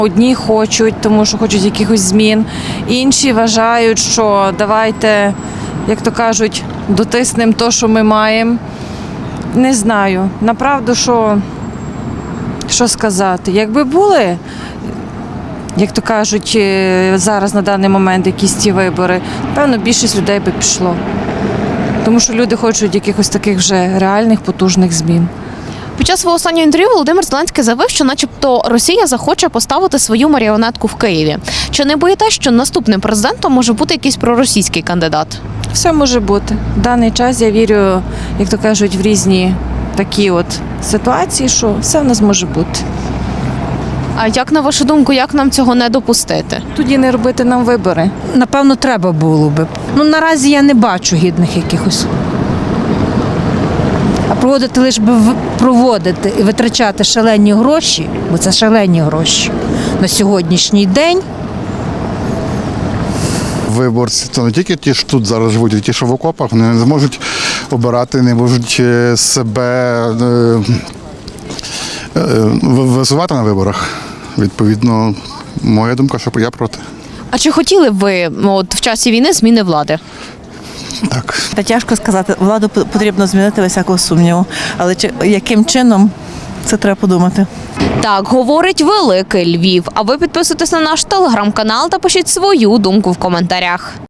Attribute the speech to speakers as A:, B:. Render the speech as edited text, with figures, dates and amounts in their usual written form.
A: Одні хочуть, тому що хочуть якихось змін, інші вважають, що давайте, як то кажуть, дотиснемо те, що ми маємо. Не знаю, направду, що сказати. Якби були, як то кажуть, зараз на даний момент якісь ці вибори, певно, більшість людей би пішло. Тому що люди хочуть якихось таких вже реальних, потужних змін.
B: Під час свого останнього інтерв'ю Володимир Зеленський заявив, що начебто Росія захоче поставити свою маріонетку в Києві. Чи не боїтесь, що наступним президентом може бути якийсь проросійський кандидат?
A: Все може бути. В даний час я вірю, як то кажуть, в різні такі от ситуації, що все в нас може бути.
B: А як, на вашу думку, як нам цього не допустити?
A: Тоді не робити нам вибори.
C: Напевно, треба було би. Наразі я не бачу гідних якихось. А проводити лише би проводити і витрачати шалені гроші, бо це шалені гроші на сьогоднішній день.
D: Виборці – це не тільки ті, що тут зараз живуть, а ті, що в окопах, вони не зможуть обирати, не можуть себе висувати на виборах. Відповідно, моя думка, що я проти.
B: А чи хотіли б ви в часі війни зміни влади?
D: Так.
E: Та тяжко сказати, владу потрібно змінити без всякого сумніву. Але яким чином, це треба подумати.
B: Так говорить Великий Львів. А ви підписуйтесь на наш телеграм-канал та пишіть свою думку в коментарях.